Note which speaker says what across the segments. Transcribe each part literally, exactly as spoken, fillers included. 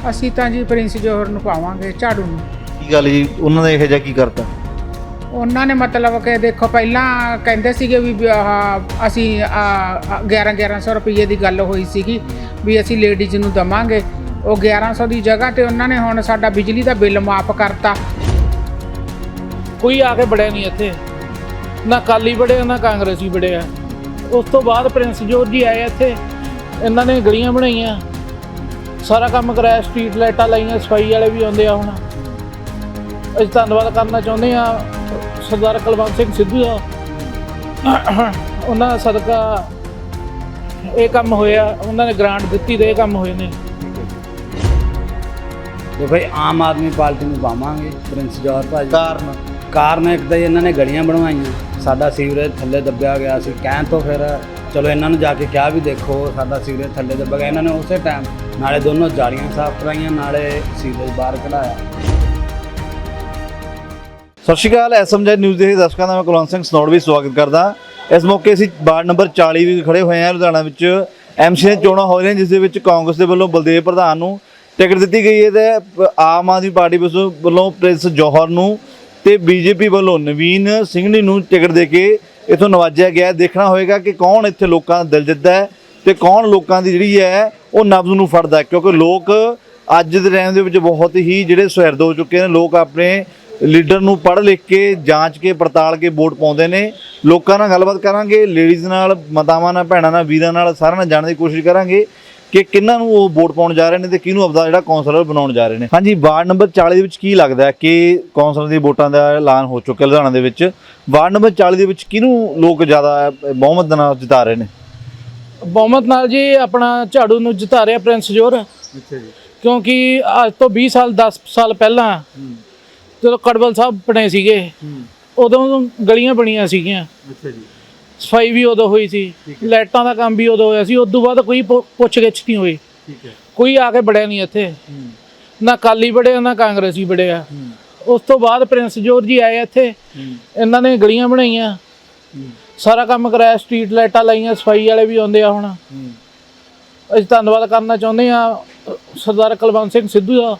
Speaker 1: ਅਸੀਂ ਤਾਂ ਜੀ ਪ੍ਰਿੰਸ ਜੋਹਰ ਨੂੰ ਪਾਵਾਂਗੇ, ਝਾੜੂ ਨੂੰ।
Speaker 2: ਕੀ ਗੱਲ ਜੀ, ਉਹਨਾਂ ਨੇ ਇਹੋ ਜਿਹਾ ਕੀ ਕਰਤਾ?
Speaker 1: ਉਹਨਾਂ ਨੇ ਮਤਲਬ ਕਿ ਦੇਖੋ ਪਹਿਲਾਂ ਕਹਿੰਦੇ ਸੀਗੇ ਵੀ ਆਹ ਅਸੀਂ ਗਿਆਰਾਂ ਗਿਆਰਾਂ ਸੌ ਰੁਪਏ ਦੀ ਗੱਲ ਹੋਈ ਸੀਗੀ ਵੀ ਅਸੀਂ ਲੇਡੀਜ਼ ਨੂੰ ਦੇਵਾਂਗੇ। ਉਹ ਗਿਆਰਾਂ ਸੌ ਦੀ ਜਗ੍ਹਾ ਤੇ ਉਹਨਾਂ ਨੇ ਹੁਣ ਸਾਡਾ ਬਿਜਲੀ ਦਾ ਬਿੱਲ ਮਾਫ ਕਰਤਾ।
Speaker 3: ਕੋਈ ਆ ਕੇ ਬੜਿਆ ਨਹੀਂ ਇੱਥੇ, ਨਾ ਅਕਾਲੀ ਬੜੇ ਨਾ ਕਾਂਗਰਸੀ ਬੜੇ ਆ। ਉਸ ਤੋਂ ਬਾਅਦ ਪ੍ਰਿੰਸ ਜੋਹਰ ਜੀ ਆਏ ਇੱਥੇ, ਇਹਨਾਂ ਨੇ ਗਲੀਆਂ ਬਣਾਈਆਂ, ਸਾਰਾ ਕੰਮ ਕਰਾਇਆ, ਸਟਰੀਟ ਲਾਈਟਾਂ ਲਾਈਆਂ, ਸਫਾਈ ਵਾਲੇ ਵੀ ਆਉਂਦੇ ਆ। ਹੁਣ ਅਸੀਂ ਧੰਨਵਾਦ ਕਰਨਾ ਚਾਹੁੰਦੇ ਆ ਸਰਦਾਰ ਕੁਲਵੰਤ ਸਿੰਘ ਸਿੱਧੂ ਦਾ, ਉਹਨਾਂ ਦਾ ਸਦਕਾ ਇਹ ਕੰਮ ਹੋਇਆ, ਉਹਨਾਂ ਨੇ ਗ੍ਰਾਂਟ ਦਿੱਤੀ ਤੇ ਇਹ ਕੰਮ ਹੋਏ ਨੇ।
Speaker 4: ਤੇ ਭਾਈ ਆਮ ਆਦਮੀ ਪਾਰਟੀ ਨੂੰ ਪਾਵਾਂਗੇ, ਪ੍ਰਿੰਸ ਜੋਹਰ ਭਾਜੀ।
Speaker 2: ਕਾਰਨ
Speaker 4: ਕਾਰਨ ਇੱਕ ਤਾਂ ਇਹਨਾਂ ਨੇ ਗਲੀਆਂ ਬਣਵਾਈਆਂ, ਸਾਡਾ ਸੀਵਰੇਜ ਥੱਲੇ ਦੱਬਿਆ ਗਿਆ ਸੀ। ਕਹਿਣ ਤੋਂ ਫਿਰ ਚਲੋ ਇਹਨਾਂ ਨੂੰ ਜਾ ਕੇ ਕਿਹਾ ਵੀ ਦੇਖੋ ਸਾਡਾ ਸੀਵਰੇਜ ਥੱਲੇ ਦੱਬਿਆ ਗਿਆ। ਇਹਨਾਂ ਨੇ ਉਸੇ ਟਾਈਮ ਨਾਲੇ ਦੋਨੋਂ ਜਾਲੀਆਂ ਸਾਫ਼ ਕਰਾਈਆਂ, ਨਾਲੇ ਸੀਵਰੇਜ ਬਾਹਰ ਕਢਾਇਆ।
Speaker 2: ਸਤਿ ਸ਼੍ਰੀ ਅਕਾਲ, ਐਸਐਮਜੀ ਨਿਊਜ਼ ਦੇ ਦਰਸ਼ਕਾਂ ਦਾ ਮੈਂ ਕੁਲਵੰਤ ਸਿੰਘ ਸਨੌੜ ਵੀ ਸਵਾਗਤ ਕਰਦਾ। ਇਸ ਮੌਕੇ ਅਸੀਂ ਵਾਰਡ ਨੰਬਰ ਚਾਲੀ ਵੀ ਖੜੇ ਹੋਏ ਹਾਂ ਲੁਧਿਆਣਾ ਵਿੱਚ। ਐਮਸੀ ਦੀਆਂ ਚੋਣਾਂ ਹੋ ਰਹੀਆਂ, ਜਿਸ ਦੇ ਵਿੱਚ ਕਾਂਗਰਸ ਦੇ ਵੱਲੋਂ ਬਲਦੇਵ ਪ੍ਰਧਾਨ ਨੂੰ ਟਿਕਟ ਦਿੱਤੀ ਗਈ ਹੈ ਤੇ ਆਮ ਆਦਮੀ ਪਾਰਟੀ ਵੱਲੋਂ ਪ੍ਰਿੰਸ ਜੋਹਰ ਨੂੰ ਤੇ ਬੀਜੇਪੀ ਵੱਲੋਂ ਨਵੀਨ ਸਿੰਘਣੀ ਨੂੰ ਟਿਕਟ ਦੇ ਕੇ ਇੱਥੋਂ ਨਵਾਜਿਆ ਗਿਆ। ਦੇਖਣਾ ਹੋਏਗਾ ਕਿ ਕੌਣ ਇੱਥੇ ਲੋਕਾਂ ਦਾ ਦਿਲ ਜਿੱਤਦਾ ਹੈ ਤੇ ਕੌਣ ਲੋਕਾਂ ਦੀ ਜਿਹੜੀ ਹੈ ਉਹ ਨਬਜ਼ ਨੂੰ ਫੜਦਾ ਹੈ, ਕਿਉਂਕਿ ਲੋਕ ਅੱਜ ਦੇ ਟਾਈਮ ਦੇ ਵਿੱਚ ਬਹੁਤ ਹੀ ਜਿਹੜੇ ਸੁਹਿਰਦ ਹੋ ਚੁੱਕੇ ਨੇ। ਲੋਕ ਆਪਣੇ ਲੀਡਰ ਨੂੰ ਪੜ੍ਹ ਲਿਖ ਕੇ, ਜਾਂਚ ਕੇ, ਪੜਤਾਲ ਕੇ ਵੋਟ ਪਾਉਂਦੇ ਨੇ। ਲੋਕਾਂ ਨਾਲ ਗੱਲਬਾਤ ਕਰਾਂਗੇ, ਲੇਡੀਜ਼ ਨਾਲ, ਮਾਤਾਵਾਂ ਨਾਲ, ਭੈਣਾਂ ਨਾਲ, ਵੀਰਾਂ ਨਾਲ, ਸਾਰਿਆਂ ਨਾਲ ਜਾਣਨ ਦੀ ਕੋਸ਼ਿਸ਼ ਕਰਾਂਗੇ ਕਿ ਕਿਹਨਾਂ ਨੂੰ ਉਹ ਵੋਟ ਪਾਉਣ ਜਾ ਰਹੇ ਨੇ ਤੇ ਕਿਹਨੂੰ ਆਪਦਾ ਜਿਹੜਾ ਕੌਂਸਲਰ ਬਣਾਉਣ ਜਾ ਰਹੇ ਨੇ। ਹਾਂਜੀ, ਵਾਰਡ ਨੰਬਰ ਚਾਲੀ ਦੇ ਵਿੱਚ ਕੀ ਲੱਗਦਾ ਹੈ ਕਿ ਕੌਂਸਲਰ ਦੀ ਵੋਟਾਂ ਦਾ ਐਲਾਨ ਹੋ ਚੁੱਕਿਆ ਲੁਧਿਆਣਾ ਦੇ ਵਿੱਚ। ਵਾਰਡ ਨੰਬਰ ਚਾਲੀ ਦੇ ਵਿੱਚ ਕਿਹਨੂੰ ਲੋਕ ਜ਼ਿਆਦਾ ਬਹੁਮਤ ਨਾਲ ਜਿਤਾ ਰਹੇ ਨੇ?
Speaker 3: ਬਹੁਮਤ ਨਾਲ ਜੀ ਆਪਣਾ ਝਾੜੂ ਨੂੰ ਜਿਤਾ ਰਿਹਾ ਪ੍ਰਿੰਸ ਜੋਹਰ।
Speaker 2: ਅੱਛਾ ਜੀ।
Speaker 3: ਕਿਉਂਕਿ ਅੱਜ ਤੋਂ ਵੀਹ ਸਾਲ ਦਸ ਸਾਲ ਪਹਿਲਾਂ ਜਦੋਂ ਕੜਬਲ ਸਾਹਿਬ ਬਣੇ ਸੀਗੇ, ਉਦੋਂ ਗਲੀਆਂ ਬਣੀਆਂ ਸੀਗੀਆਂ।
Speaker 2: ਅੱਛਾ ਜੀ।
Speaker 3: ਸਫਾਈ ਵੀ ਉਦੋਂ ਹੋਈ ਸੀ, ਲਾਈਟਾਂ ਦਾ ਕੰਮ ਵੀ ਉਦੋਂ ਹੋਇਆ ਸੀ। ਉਸ ਤੋਂ ਬਾਅਦ ਕੋਈ ਪੁੱਛ ਗਿੱਛ ਨਹੀਂ ਹੋਈ।
Speaker 2: ਠੀਕ ਹੈ।
Speaker 3: ਕੋਈ ਆ ਕੇ ਬੜਿਆ ਨਹੀਂ ਇੱਥੇ, ਨਾ ਅਕਾਲੀ ਬੜੇ ਨਾ ਕਾਂਗਰਸੀ ਬੜੇ ਆ। ਉਸ ਤੋਂ ਬਾਅਦ ਪ੍ਰਿੰਸ ਜੋਹਰ ਜੀ ਆਏ ਇੱਥੇ, ਇਹਨਾਂ ਨੇ ਗਲੀਆਂ ਬਣਾਈਆਂ, ਸਾਰਾ ਕੰਮ ਕਰਾਇਆ, ਸਟਰੀਟ ਲਾਈਟਾਂ ਲਾਈਆਂ, ਸਫਾਈ ਵਾਲੇ ਵੀ ਆਉਂਦੇ ਆ। ਹੁਣ ਅਸੀਂ ਧੰਨਵਾਦ ਕਰਨਾ ਚਾਹੁੰਦੇ ਆ ਸਰਦਾਰ ਕੁਲਵੰਤ ਸਿੰਘ ਸਿੱਧੂ ਦਾ,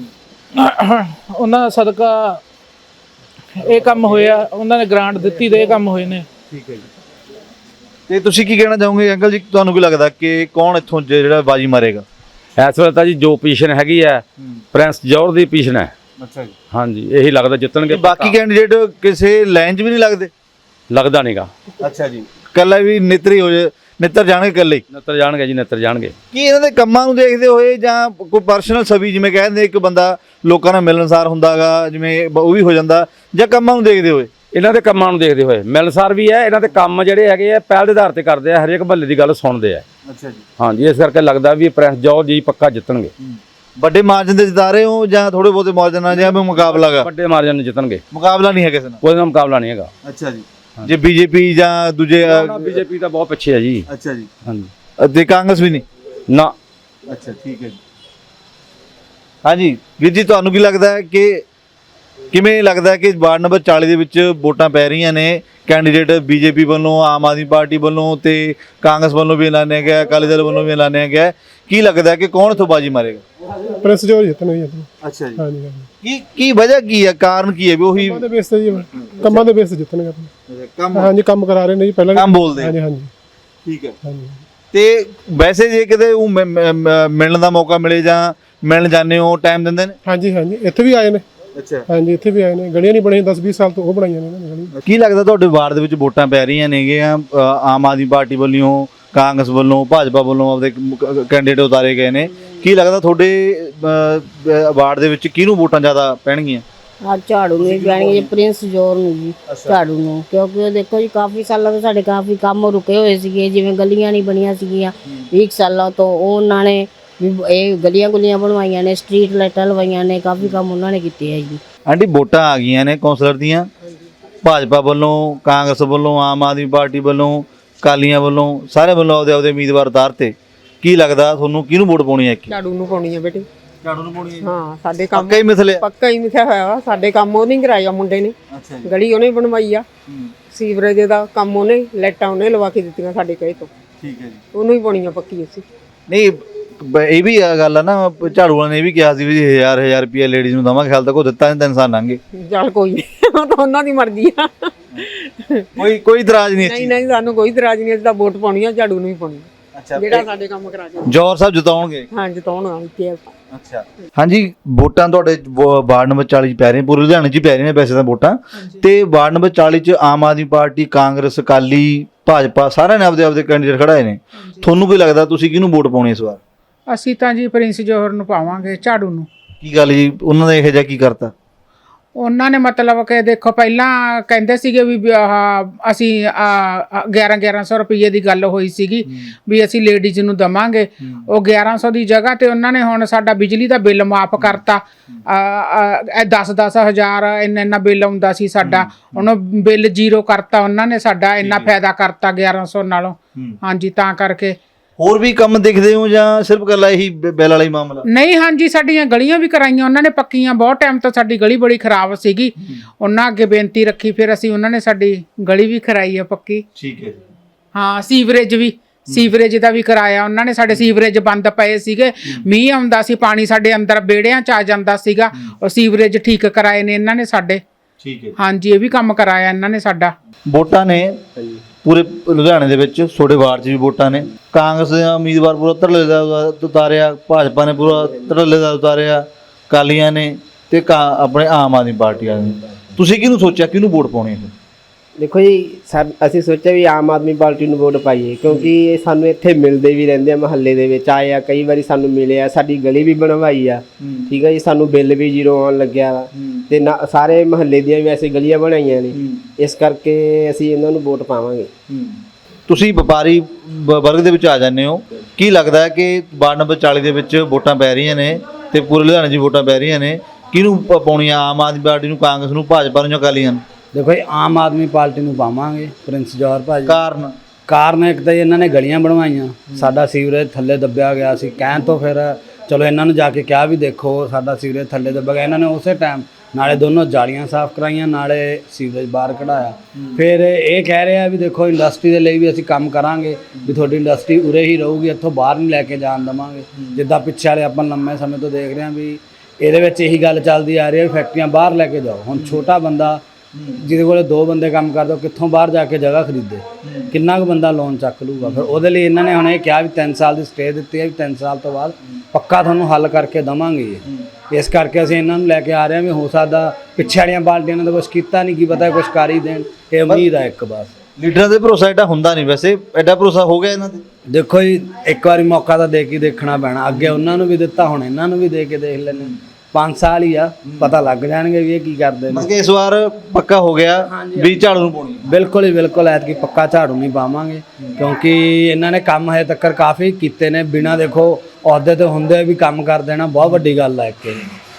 Speaker 3: ਉਹਨਾਂ ਦਾ ਸਦਕਾ ਇਹ ਕੰਮ ਹੋਇਆ, ਉਹਨਾਂ ਨੇ ਗ੍ਰਾਂਟ ਦਿੱਤੀ ਤੇ ਇਹ ਕੰਮ ਹੋਏ ਨੇ।
Speaker 2: ਠੀਕ ਹੈ ਜੀ। ਤੇ ਤੁਸੀਂ ਕੀ ਕਹਿਣਾ ਚਾਹੋਗੇ ਅੰਕਲ ਜੀ, ਤੁਹਾਨੂੰ ਕੀ ਲੱਗਦਾ ਕਿ ਕੌਣ ਇੱਥੋਂ ਜਿਹੜਾ ਬਾਜੀ ਮਾਰੇਗਾ?
Speaker 5: ਇਸ ਵੇਲੇ ਤਾਂ ਜੀ ਜੋ ਪੋਜੀਸ਼ਨ ਹੈਗੀ ਹੈ ਪ੍ਰਿੰਸ ਜੋਹਰ ਦੀ ਪੋਜੀਸ਼ਨ ਹੈ।
Speaker 2: ਅੱਛਾ ਜੀ।
Speaker 5: ਹਾਂਜੀ, ਇਹੀ ਲੱਗਦਾ ਜਿੱਤਣਗੇ।
Speaker 2: ਬਾਕੀ ਕੈਂਡੀਡੇਟ ਕਿਸੇ ਲਾਈਨ 'ਚ ਵੀ ਨਹੀਂ ਲੱਗਦੇ?
Speaker 5: ਲੱਗਦਾ ਨਹੀਂਗਾ।
Speaker 2: ਅੱਛਾ ਜੀ। ਕੱਲਾ ਵੀ ਨਿੱਤਰੀ ਹੋ ਜੇ, ਨਿੱਤਰ ਜਾਣਗੇ ਇਕੱਲੇ ਹੀ?
Speaker 5: ਨਿੱਤਰ ਜਾਣਗੇ ਜੀ, ਨਿੱਤਰ ਜਾਣਗੇ।
Speaker 2: ਕੀ ਇਹਨਾਂ ਦੇ ਕੰਮਾਂ ਨੂੰ ਦੇਖਦੇ ਹੋਏ ਜਾਂ ਕੋਈ ਪਰਸਨਲ ਛਵੀ, ਜਿਵੇਂ ਕਹਿੰਦੇ ਇੱਕ ਬੰਦਾ ਲੋਕਾਂ ਨਾਲ ਮਿਲਣਸਾਰ ਹੁੰਦਾਗਾ, ਜਿਵੇਂ ਉਹ ਵੀ ਹੋ ਜਾਂਦਾ, ਜਾਂ ਕੰਮਾਂ ਨੂੰ ਦੇਖਦੇ ਹੋਏ?
Speaker 5: ਇਹਨਾਂ ਦੇ ਕੰਮਾਂ ਨੂੰ ਦੇਖਦੇ ਹੋਏ ਮਿਲਣਸਾਰ ਵੀ ਹੈ। ਇਹਨਾਂ ਦੇ ਕੰਮ ਜਿਹੜੇ ਹੈਗੇ ਆ ਪਹਿਲ ਦੇ ਆਧਾਰ ਤੇ ਕਰਦੇ ਆ, ਹਰੇਕ ਮਹੱਲੇ ਦੀ ਗੱਲ ਸੁਣਦੇ ਆ।
Speaker 2: ਅੱਛਾ ਜੀ।
Speaker 5: ਹਾਂਜੀ, ਇਸ ਕਰਕੇ ਲੱਗਦਾ ਵੀ ਪ੍ਰਿੰਸ ਜੋਹਰ ਜੀ ਪੱਕਾ ਜਿੱਤਣਗੇ।
Speaker 2: ਵੱਡੇ ਮਾਰਜਨ ਤੇ ਜਿਤਾ ਰਹੇ ਹੋ ਜਾਂ ਥੋੜੇ ਬਹੁਤੇ ਮਾਰਜਨ ਨਾਲ, ਜਾਂ ਮੁਕਾਬਲਾ ਗਾ?
Speaker 5: ਵੱਡੇ ਮਾਰਜਨ ਨਾਲ ਜਿੱਤਣਗੇ।
Speaker 2: ਮੁਕਾਬਲਾ ਨਹੀਂ ਹੈ ਕਿਸੇ ਨਾਲ?
Speaker 5: ਕੋਈ ਨਾਲ ਮੁਕਾਬਲਾ ਨਹੀਂ ਹੈਗਾ।
Speaker 2: ਅੱਛਾ ਜੀ। ਜੇ ਬੀਜੇਪੀ ਜਾਂ ਦੂਜੇ?
Speaker 5: ਬੀਜੇਪੀ ਤਾਂ ਬਹੁਤ ਪਿੱਛੇ ਹੈ ਜੀ।
Speaker 2: ਅੱਛਾ ਜੀ।
Speaker 5: ਹਾਂਜੀ।
Speaker 2: ਤੇ ਕਾਂਗਰਸ ਵੀ ਨਹੀਂ?
Speaker 5: ਨਾ।
Speaker 2: ਅੱਛਾ, ਠੀਕ ਹੈ ਜੀ। ਹਾਂਜੀ ਵੀਰ ਜੀ, ਤੁਹਾਨੂੰ ਕੀ ਲੱਗਦਾ ਹੈ ਕਿ ਕਿਵੇਂ ਲੱਗਦਾ ਕਿ ਵਾਰਡ ਨੰਬਰ ਚਾਲੀ ਦੇ ਵਿੱਚ ਵੋਟਾਂ ਪੈ ਰਹੀਆਂ ਨੇ, ਕੈਂਡੀਡੇਟ ਬੀਜੇਪੀ ਵੱਲੋਂ, ਆਮ ਆਦਮੀ ਪਾਰਟੀ ਵੱਲੋਂ ਤੇ ਕਾਂਗਰਸ ਵੱਲੋਂ ਵੀ ਐਲਾਨਿਆ ਗਿਆ, ਅਕਾਲੀ ਦਲ ਵੱਲੋਂ ਵੀ ਐਲਾਨਿਆ ਗਿਆ, ਕੀ ਲੱਗਦਾ ਕਿ ਕੌਣ ਇੱਥੋਂ ਬਾਜੀ ਮਾਰੇਗਾ?
Speaker 6: ਪ੍ਰਿੰਸ ਜੋਹਰ ਜਿੱਤਣਗੇ।
Speaker 2: ਅੱਛਾ ਜੀ।
Speaker 6: ਹਾਂਜੀ ਹਾਂਜੀ।
Speaker 2: ਕੀ ਕੀ ਵਜ੍ਹਾ ਕੀ ਹੈ, ਕਾਰਨ ਕੀ ਹੈ ਵੀ ਉਹੀ
Speaker 6: ਕੰਮਾਂ ਦੇ ਬੇਸ ਤੇ ਜੀ, ਕੰਮਾਂ ਦੇ ਬੇਸ ਤੇ ਜਿੱਤਣਗੇ ਆਪਣੇ।
Speaker 2: ਕੰਮ?
Speaker 6: ਹਾਂਜੀ, ਕੰਮ ਕਰਾ ਰਹੇ ਨੇ ਜੀ ਪਹਿਲਾਂ।
Speaker 2: ਕੰਮ ਬੋਲਦੇ?
Speaker 6: ਹਾਂਜੀ ਹਾਂਜੀ।
Speaker 2: ਠੀਕ ਹੈ।
Speaker 6: ਹਾਂਜੀ।
Speaker 2: ਤੇ ਵੈਸੇ ਜੇ ਕਿਤੇ ਉਹ ਮਿਲਣ ਦਾ ਮੌਕਾ ਮਿਲੇ ਜਾਂ ਮਿਲਣ ਜਾਂਦੇ ਹੋ, ਟਾਈਮ ਦਿੰਦੇ ਨੇ?
Speaker 6: ਹਾਂਜੀ ਹਾਂਜੀ, ਇੱਥੇ ਵੀ ਆਏ ਨੇ।
Speaker 2: ਅੱਛਾ।
Speaker 6: ਹਾਂਜੀ, ਇੱਥੇ ਵੀ ਆਏ ਨੇ। ਗਲੀਆਂ ਨਹੀਂ ਬਣੀਆਂ ਦਸ ਵੀਹ ਸਾਲ ਤੋਂ, ਉਹ ਬਣਾਈਆਂ ਨੇ ਇਹਨਾਂ ਨੇ ਗਲੀਆਂ।
Speaker 2: ਕੀ ਲੱਗਦਾ ਤੁਹਾਡੇ ਵਾਰਡ ਦੇ ਵਿੱਚ ਵੋਟਾਂ ਪੈ ਰਹੀਆਂ ਨੇਗੀਆਂ, ਆਮ ਆਦਮੀ ਪਾਰਟੀ ਵੱਲੋਂ, ਕਾਂਗਰਸ ਵੱਲੋਂ, ਭਾਜਪਾ ਵੱਲੋਂ ਆਪਦੇ ਕੈਂਡੀਡੇਟ ਉਤਾਰੇ ਗਏ ਨੇ, ਕੀ ਲੱਗਦਾ ਤੁਹਾਡੇ ਵਾਰਡ ਦੇ ਵਿੱਚ ਕਿਹਨੂੰ ਵੋਟਾਂ ਜ਼ਿਆਦਾ ਪੈਣਗੀਆਂ?
Speaker 7: ਆ ਝਾੜੂ ਨੂੰ ਜਾਣਗੇ, ਪ੍ਰਿੰਸ ਜੋਹਰ ਨੂੰ ਜੀ, ਝਾੜੂ ਨੂੰ। ਕਿਉਂਕਿ ਉਹ ਦੇਖੋ ਜੀ ਕਾਫੀ ਸਾਲਾਂ ਤੋਂ ਸਾਡੇ ਕਾਫੀ ਕੰਮ ਰੁਕੇ ਹੋਏ ਸੀਗੇ, ਜਿਵੇਂ ਗਲੀਆਂ ਨਹੀਂ ਬਣੀਆਂ ਸੀਗੀਆਂ ਵੀਹ ਸਾਲਾਂ ਤੋਂ, ਉਹ ਉਹਨਾਂ ਨੇ ਵੀ ਇਹ ਗਲੀਆਂ ਗੁਲੀਆਂ ਬਣਵਾਈਆਂ ਨੇ, ਸਟਰੀਟ ਲਾਈਟਾਂ ਲਵਾਈਆਂ ਨੇ, ਕਾਫੀ ਕੰਮ ਉਹਨਾਂ ਨੇ ਕੀਤੇ ਆ ਜੀ।
Speaker 2: ਆਂਟੀ, ਵੋਟਾਂ ਆ ਗਈਆਂ ਨੇ ਕੌਂਸਲਰ ਦੀਆਂ, ਭਾਜਪਾ ਵੱਲੋਂ, ਕਾਂਗਰਸ ਵੱਲੋਂ, ਆਮ ਆਦਮੀ ਪਾਰਟੀ ਵੱਲੋਂ, ਅਕਾਲੀਆਂ ਵੱਲੋਂ, ਸਾਰੇ ਵੱਲੋਂ ਆਪਦੇ ਆਪਦੇ ਉਮੀਦਵਾਰ ਉਤਾਰਤੇ। ਕੀ ਲੱਗਦਾ ਤੁਹਾਨੂੰ ਕਿਹਨੂੰ ਵੋਟ ਪਾਉਣੀ ਹੈ?
Speaker 1: ਝਾੜੂ ਨੂੰ ਪਾਉਣੀ ਹੈ ਬੇਟੇ।
Speaker 2: ਝਾੜੂ ਨੂੰ ਪਾਉਣੀ ਹੈ?
Speaker 1: ਹਾਂ, ਸਾਡੇ ਕੰਮ
Speaker 2: ਪੱਕਾ ਹੀ ਮਿਥਲੇ?
Speaker 1: ਪੱਕਾ ਹੀ ਮਿਥਿਆ ਹੋਇਆ ਵਾ। ਸਾਡੇ ਕੰਮ ਉਹਨੇ ਕਰਾਇਆ ਮੁੰਡੇ ਨੇ।
Speaker 2: ਅੱਛਾ ਜੀ।
Speaker 1: ਗਲੀ ਉਹਨੇ ਬਣਵਾਈ ਆ, ਸੀਵਰੇਜ ਦਾ ਕੰਮ ਉਹਨੇ, ਲਾਈਟਾਂ ਉਹਨੇ ਲਵਾ ਕੇ ਦਿੱਤੀਆਂ ਸਾਡੇ ਕਹੇ ਤੋਂ।
Speaker 2: ਠੀਕ ਹੈ ਜੀ।
Speaker 1: ਉਹਨੂੰ ਹੀ ਪਾਉਣੀ ਆ ਪੱਕੀ ਅਸੀਂ।
Speaker 2: ਨਹੀਂ, ਬ- ਇਹ ਵੀ ਆ ਗੱਲ ਆ ਨਾ, ਝਾੜੂ ਵਾਲਿਆਂ ਨੇ ਇਹ ਵੀ ਕਿਹਾ ਸੀ ਵੀ ਜੀ ਹਜ਼ਾਰ ਹਜ਼ਾਰ ਰੁਪਏ ਲੇਡੀਜ਼ ਨੂੰ ਦਵਾਂਗੇ, ਹਾਲ ਤੱਕ ਉਹ ਦਿੱਤਾ ਨਹੀਂ, ਤਿੰਨ ਸਾਲ ਲੰਘ ਗਏ।
Speaker 8: ਚੱਲ ਕੋਈ ਨਹੀਂ, ਉਹ ਤਾਂ ਉਹਨਾਂ ਦੀ ਮਰਜ਼ੀ ਆ।
Speaker 2: ਕੋਈ ਕੋਈ ਇਤਰਾਜ਼ ਨਹੀਂ ਇਸ
Speaker 8: ਨਹੀਂ
Speaker 2: ਚੀਜ਼
Speaker 8: ਨਹੀਂ ਸਾਨੂੰ ਕੋਈ ਇਤਰਾਜ਼ ਨਹੀਂ, ਅਸੀਂ ਤਾਂ ਵੋਟ ਪਾਉਣੀ ਆ, ਝਾੜੂ ਨੂੰ ਹੀ ਪਾਉਣੀ ਆ।
Speaker 2: ਅੱਛਾ,
Speaker 8: ਜਿਹੜਾ ਸਾਡੇ ਕੰਮ ਕਰਾ ਕੇ
Speaker 2: ਜੌਹਰ ਸਾਹਿਬ ਜਿਤਾਉਣਗੇ।
Speaker 8: ਹਾਂ ਜਿਤਾਉਣ ਆਈ ਤੇ
Speaker 2: ਅੱਛਾ ਹਾਂਜੀ, ਵੋਟਾਂ ਤੁਹਾਡੇ ਵ- ਵਾਰਡ ਨੰਬਰ ਚਾਲੀ ਚ ਪੈ ਰਹੀਆਂ, ਪੂਰੇ ਲੁਧਿਆਣੇ ਚ ਹੀ ਪੈ ਰਹੀਆਂ ਨੇ ਵੈਸੇ ਤਾਂ ਵੋਟਾਂ, ਤੇ ਵਾਰਡ ਨੰਬਰ ਚਾਲੀ ਚ ਆਮ ਆਦਮੀ ਪਾਰਟੀ, ਕਾਂਗਰਸ, ਅਕਾਲੀ, ਭਾਜਪਾ ਸਾਰਿਆਂ ਨੇ ਆਪਦੇ ਆਪਦੇ ਕੈਂਡੀਡੇਟ ਖੜਾਏ ਨੇ। ਤੁਹਾਨੂੰ ਕੀ ਲੱਗਦਾ ਤੁਸੀਂ ਕਿਹਨੂੰ ਵੋਟ ਪਾਉਣੀ ਇਸ ਵਾਰ?
Speaker 1: ਅਸੀਂ ਤਾਂ ਜੀ ਪ੍ਰਿੰਸ ਜੋਹਰ ਨੂੰ ਪਾਵਾਂਗੇ, ਝਾੜੂ ਨੂੰ।
Speaker 2: ਕੀ ਗੱਲ ਜੀ, ਉਹਨਾਂ ਨੇ ਇਹੋ ਜਿਹਾ ਕੀ ਕਰਤਾ?
Speaker 1: ਉਹਨਾਂ ਨੇ ਮਤਲਬ ਕਿ ਦੇਖੋ ਪਹਿਲਾਂ ਕਹਿੰਦੇ ਸੀਗੇ ਵੀ ਵੀ ਆਹ ਅਸੀਂ ਗਿਆਰਾਂ ਗਿਆਰਾਂ ਸੌ ਰੁਪਏ ਦੀ ਗੱਲ ਹੋਈ ਸੀਗੀ ਵੀ ਅਸੀਂ ਲੇਡੀਜ਼ ਨੂੰ ਦਵਾਂਗੇ। ਉਹ ਗਿਆਰਾਂ ਸੌ ਦੀ ਜਗ੍ਹਾ ਤੇ ਉਹਨਾਂ ਨੇ ਹੁਣ ਸਾਡਾ ਬਿਜਲੀ ਦਾ ਬਿੱਲ ਮਾਫ ਕਰਤਾ। ਦਸ ਦਸ ਹਜ਼ਾਰ ਇੰਨਾ ਇੰਨਾ ਬਿੱਲ ਆਉਂਦਾ ਸੀ ਸਾਡਾ, ਹੁਣ ਬਿੱਲ ਜ਼ੀਰੋ ਕਰਤਾ ਉਹਨਾਂ ਨੇ, ਸਾਡਾ ਇੰਨਾ ਫਾਇਦਾ ਕਰਤਾ ਗਿਆਰਾਂ ਸੌ ਨਾਲੋਂ। ਹਾਂਜੀ, ਤਾਂ ਕਰਕੇ
Speaker 2: ਹੋਰ ਵੀ ਕੰਮ ਦੇਖਦੇ ਹੋ ਜਾਂ ਸਿਰਫ ਇਕੱਲਾ ਇਹੀ ਬ- ਬਿੱਲ ਵਾਲਾ ਹੀ ਮਾਮਲਾ?
Speaker 1: ਨਹੀਂ, ਹਾਂਜੀ ਸਾਡੀਆਂ ਗਲੀਆਂ ਵੀ ਕਰਾਈਆਂ ਉਹਨਾਂ ਨੇ ਪੱਕੀਆਂ। ਬਹੁਤ ਟਾਈਮ ਤੋਂ ਸਾਡੀ ਗਲੀ ਬੜੀ ਖਰਾਬ ਸੀਗੀ, ਉਹਨਾਂ ਅੱਗੇ ਬੇਨਤੀ ਰੱਖੀ, ਫਿਰ ਅਸੀਂ ਉਹਨਾਂ ਨੇ ਸਾਡੀ ਗਲੀ ਵੀ ਕਰਾਈ ਆ ਪੱਕੀ।
Speaker 2: ਠੀਕ ਹੈ ਜੀ।
Speaker 1: ਹਾਂ, ਸੀਵਰੇਜ ਵੀ, ਸੀਵਰੇਜ ਦਾ ਵੀ ਕਰਾਇਆ ਉਹਨਾਂ ਨੇ। ਸਾਡੇ ਸੀਵਰੇਜ ਬੰਦ ਪਏ ਸੀਗੇ, ਮੀਂਹ ਆਉਂਦਾ ਸੀ, ਪਾਣੀ ਸਾਡੇ ਅੰਦਰ ਵਿਹੜਿਆਂ ਚ ਆ ਜਾਂਦਾ ਸੀਗਾ, ਉਹ ਸੀਵਰੇਜ ਠੀਕ ਕਰਾਏ ਨੇ ਇਹਨਾਂ ਨੇ ਸਾਡੇ।
Speaker 2: ਠੀਕ ਹੈ।
Speaker 1: ਹਾਂਜੀ, ਇਹ ਵੀ ਕੰਮ ਕਰਾਇਆ ਇਹਨਾਂ ਨੇ ਸਾਡਾ।
Speaker 2: ਵੋਟਾਂ ਨੇ ਪੂਰੇ ਲੁਧਿਆਣੇ ਦੇ ਵਿੱਚ, ਤੁਹਾਡੇ ਵਾਰਡ 'ਚ ਵੀ ਵੋਟਾਂ ਨੇ। ਕਾਂਗਰਸ ਦੇ ਉਮੀਦਵਾਰ ਪੂਰਾ ਧੜੱਲੇ ਦਾ ਉਤਾਰਿਆ, ਭਾਜਪਾ ਨੇ ਪੂਰਾ ਧੜੱਲੇ ਦਾ ਉਤਾਰਿਆ, ਅਕਾਲੀਆਂ ਨੇ ਤੇ ਕਾ- ਆਪਣੇ ਆਮ ਆਦਮੀ ਪਾਰਟੀ ਵਾਲਿਆਂ ਨੇ। ਤੁਸੀਂ ਕਿਹਨੂੰ ਸੋਚਿਆ, ਕਿਹਨੂੰ ਵੋਟ ਪਾਉਣੀ ਹੈ?
Speaker 9: ਦੇਖੋ ਜੀ, ਸਾ ਅਸੀਂ ਸੋਚਿਆ ਵੀ ਆਮ ਆਦਮੀ ਪਾਰਟੀ ਨੂੰ ਵੋਟ ਪਾਈਏ, ਕਿਉਂਕਿ ਇਹ ਸਾਨੂੰ ਇੱਥੇ ਮਿਲਦੇ ਵੀ ਰਹਿੰਦੇ ਆ, ਮਹੱਲੇ ਦੇ ਵਿੱਚ ਆਏ ਆ, ਕਈ ਵਾਰੀ ਸਾਨੂੰ ਮਿਲੇ ਆ, ਸਾਡੀ ਗਲੀ ਵੀ ਬਣਵਾਈ ਆ। ਠੀਕ ਹੈ ਜੀ, ਸਾਨੂੰ ਬਿੱਲ ਵੀ ਜ਼ੀਰੋ ਆਉਣ ਲੱਗਿਆ ਵਾ, ਤੇ ਨਾ ਸਾਰੇ ਮਹੱਲੇ ਦੀਆਂ ਵੀ ਵੈਸੇ ਗਲੀਆਂ ਬਣਾਈਆਂ ਨੇ, ਇਸ ਕਰਕੇ ਅਸੀਂ ਇਹਨਾਂ ਨੂੰ ਵੋਟ ਪਾਵਾਂਗੇ।
Speaker 2: ਤੁਸੀਂ ਵਪਾਰੀ ਵ- ਵਰਗ ਦੇ ਵਿੱਚ ਆ ਜਾਂਦੇ ਹੋ, ਕੀ ਲੱਗਦਾ ਹੈ ਕਿ ਵਾਰਡ ਨੰਬਰ ਚਾਲੀ ਦੇ ਵਿੱਚ ਵੋਟਾਂ ਪੈ ਰਹੀਆਂ ਨੇ ਤੇ ਪੂਰੇ ਲੁਧਿਆਣੇ 'ਚ ਵੋਟਾਂ ਪੈ ਰਹੀਆਂ ਨੇ, ਕਿਹਨੂੰ ਪ- ਪਾਉਣੀਆਂ? ਆਮ ਆਦਮੀ ਪਾਰਟੀ ਨੂੰ, ਕਾਂਗਰਸ ਨੂੰ, ਭਾਜਪਾ ਨੂੰ ਜਾਂ ਅਕਾਲੀਆਂ ਨੂੰ?
Speaker 4: ਦੇਖੋ ਜੀ, ਆਮ ਆਦਮੀ ਪਾਰਟੀ ਨੂੰ ਪਾਵਾਂਗੇ, ਪ੍ਰਿੰਸ ਜੌਹਰ ਭਾਜੀ।
Speaker 2: ਕਾਰਨ?
Speaker 4: ਕਾਰਨ ਇੱਕ ਤਾਂ ਜੀ ਇਹਨਾਂ ਨੇ ਗਲੀਆਂ ਬਣਵਾਈਆਂ, ਸਾਡਾ ਸੀਵਰੇਜ ਥੱਲੇ ਦੱਬਿਆ ਗਿਆ ਸੀ। ਕਹਿਣ ਤੋਂ ਫਿਰ ਚਲੋ ਇਹਨਾਂ ਨੂੰ ਜਾ ਕੇ ਕਿਹਾ ਵੀ ਦੇਖੋ ਸਾਡਾ ਸੀਵਰੇਜ ਥੱਲੇ ਦੱਬਿਆ ਗਿਆ, ਇਹਨਾਂ ਨੇ ਉਸੇ ਟਾਈਮ ਨਾਲੇ ਦੋਨੋਂ ਜਾਲੀਆਂ ਸਾਫ਼ ਕਰਾਈਆਂ, ਨਾਲੇ ਸੀਵਰੇਜ ਬਾਹਰ ਕਢਾਇਆ। ਫਿਰ ਇਹ ਕਹਿ ਰਿਹਾ ਵੀ ਦੇਖੋ ਇੰਡਸਟਰੀ ਦੇ ਲਈ ਵੀ ਅਸੀਂ ਕੰਮ ਕਰਾਂਗੇ, ਵੀ ਤੁਹਾਡੀ ਇੰਡਸਟਰੀ ਉਰੇ ਹੀ ਰਹੂਗੀ, ਇੱਥੋਂ ਬਾਹਰ ਨਹੀਂ ਲੈ ਕੇ ਜਾਣ ਦੇਵਾਂਗੇ। ਜਿੱਦਾਂ ਪਿੱਛੇ ਵਾਲੇ ਆਪਾਂ ਲੰਮੇ ਸਮੇਂ ਤੋਂ ਦੇਖ ਰਹੇ ਹਾਂ ਵੀ ਇਹਦੇ ਵਿੱਚ ਇਹੀ ਗੱਲ ਚੱਲਦੀ ਆ ਰਹੀ ਹੈ ਵੀ ਫੈਕਟਰੀਆਂ ਬਾਹਰ ਲੈ ਕੇ ਜਾਓ। ਹੁਣ ਛੋਟਾ ਬੰਦਾ ਜਿਹਦੇ ਕੋਲੇ ਦੋ ਬੰਦੇ ਕੰਮ ਕਰਦੇ, ਉਹ ਕਿੱਥੋਂ ਬਾਹਰ ਜਾ ਕੇ ਜਗ੍ਹਾ ਖਰੀਦੇ, ਕਿੰਨਾ ਕੁ ਬੰਦਾ ਲੋਨ ਚੱਕ ਲੂਗਾ? ਫਿਰ ਉਹਦੇ ਲਈ ਇਹਨਾਂ ਨੇ ਹੁਣ ਇਹ ਕਿਹਾ ਵੀ ਤਿੰਨ ਸਾਲ ਦੀ ਸਟੇ ਦਿੱਤੀ ਹੈ, ਵੀ ਤਿੰਨ ਸਾਲ ਤੋਂ ਬਾਅਦ ਪੱਕਾ ਤੁਹਾਨੂੰ ਹੱਲ ਕਰਕੇ ਦੇਵਾਂਗੇ। ਇਸ ਕਰਕੇ ਅਸੀਂ ਇਹਨਾਂ ਨੂੰ ਲੈ ਕੇ ਆ ਰਹੇ ਹਾਂ ਵੀ ਹੋ ਸਕਦਾ ਪਿੱਛੇ ਵਾਲੀਆਂ ਪਾਰਟੀਆਂ ਨੇ ਤਾਂ ਕੁਛ ਕੀਤਾ ਨਹੀਂ, ਕੀ ਪਤਾ ਕੁਛ ਕਰ ਹੀ ਦੇਣ, ਇਹ ਉਮੀਦ ਆ ਇੱਕ ਬਸ।
Speaker 2: ਲੀਡਰਾਂ ਦੇ ਭਰੋਸਾ ਐਡਾ ਹੁੰਦਾ ਨਹੀਂ, ਵੈਸੇ ਐਡਾ ਭਰੋਸਾ ਹੋ ਗਿਆ ਇਹਨਾਂ ਤੇ?
Speaker 4: ਦੇਖੋ ਜੀ, ਇੱਕ ਵਾਰੀ ਮੌਕਾ ਤਾਂ ਦੇ ਕੇ ਦੇਖਣਾ ਪੈਣਾ, ਅੱਗੇ ਉਹਨਾਂ ਨੂੰ ਵੀ ਦਿੱਤਾ, ਹੁਣ ਇਹਨਾਂ ਨੂੰ ਵੀ ਦੇ ਕੇ ਦੇਖ ਲੈਣੇ। ਪੰਜ ਸਾਲ ਹੀ ਆ, ਪਤਾ ਲੱਗ ਜਾਣਗੇ ਵੀ ਇਹ ਕੀ ਕਰਦੇ ਨੇ।
Speaker 2: ਮਤਲਬ ਕਿ ਇਸ ਵਾਰ ਪੱਕਾ ਹੋ ਗਿਆ ਵੀ ਝਾੜੂ ਨੂੰ ਪਾਉਣੀ?
Speaker 4: ਬਿਲਕੁਲ ਹੀ ਬਿਲਕੁਲ, ਐਤਕੀ ਪੱਕਾ ਝਾੜੂ ਨਹੀਂ ਪਾਵਾਂਗੇ, ਕਿਉਂਕਿ ਇਹਨਾਂ ਨੇ ਕੰਮ ਹਜੇ ਤੱਕ ਕਾਫੀ ਕੀਤੇ ਨੇ, ਬਿਨਾਂ ਦੇਖੋ ਅਹੁਦੇ ਤੇ ਹੁੰਦੇ ਵੀ ਕੰਮ ਕਰ ਦੇਣਾ ਬਹੁਤ ਵੱਡੀ ਗੱਲ ਹੈ ਇੱਕ।